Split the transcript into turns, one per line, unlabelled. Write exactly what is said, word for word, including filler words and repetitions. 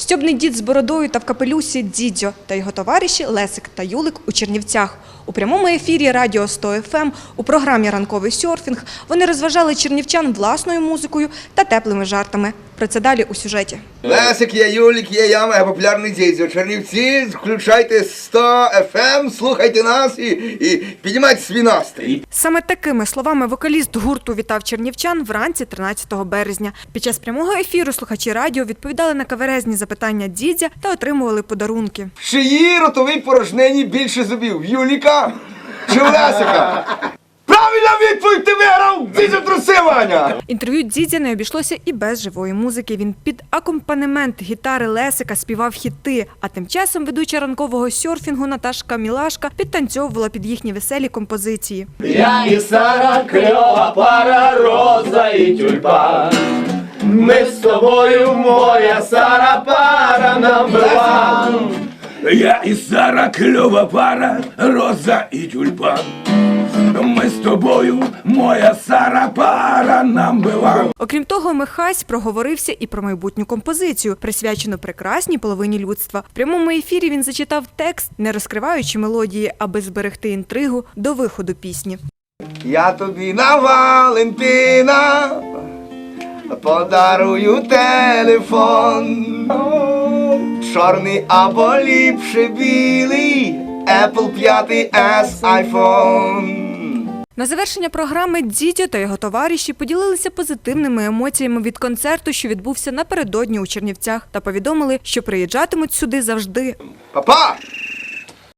Стьобний дід з бородою та в капелюсі Дідьо та його товариші Лесик та Юлик у Чернівцях. У прямому ефірі Радіо сто еф ем у програмі «Ранковий серфінг» вони розважали чернівчан власною музикою та теплими жартами. Про це далі у сюжеті.
Лесик, я Юлік, я я, моя популярний Дідьо. Чернівці, включайте сто еф ем, слухайте нас і, і піднімайте свій настрій.
Саме такими словами вокаліст гурту вітав чернівчан вранці тринадцятого березня. Під час прямого ефіру слухачі радіо відповідали на каверезні запитання Дідя та отримували подарунки.
В чиїй ротовій порожнині більше зубів? В Юліка чи в Лесика? Правильна відповідь, ти виграв! Дідьо труси, Ваня!
Інтерв'ю Дідя не обійшлося і без живої музики. Він під акомпанемент гітари Лесика співав хіти, а тим часом ведуча ранкового серфінгу Наташка Мілашка підтанцьовувала під їхні веселі композиції.
Я і Сара, кльова пара, роза і тюльпан. Ми з тобою, моя Сара, пара number one.
Я і Сара, кльова пара, роза і тюльпан. Ми з тобою, моя Сара, пара number one.
Окрім того, Михась проговорився і про майбутню композицію, присвячену прекрасній половині людства. В прямому ефірі він зачитав текст, не розкриваючи мелодії, аби зберегти інтригу до виходу пісні.
Я тобі на Валентина подарую телефон. Чорний або ліпше білий, Apple п'ять ес iPhone.
На завершення програми Дідьо та його товариші поділилися позитивними емоціями від концерту, що відбувся напередодні у Чернівцях, та повідомили, що приїжджатимуть сюди завжди.
Па-па!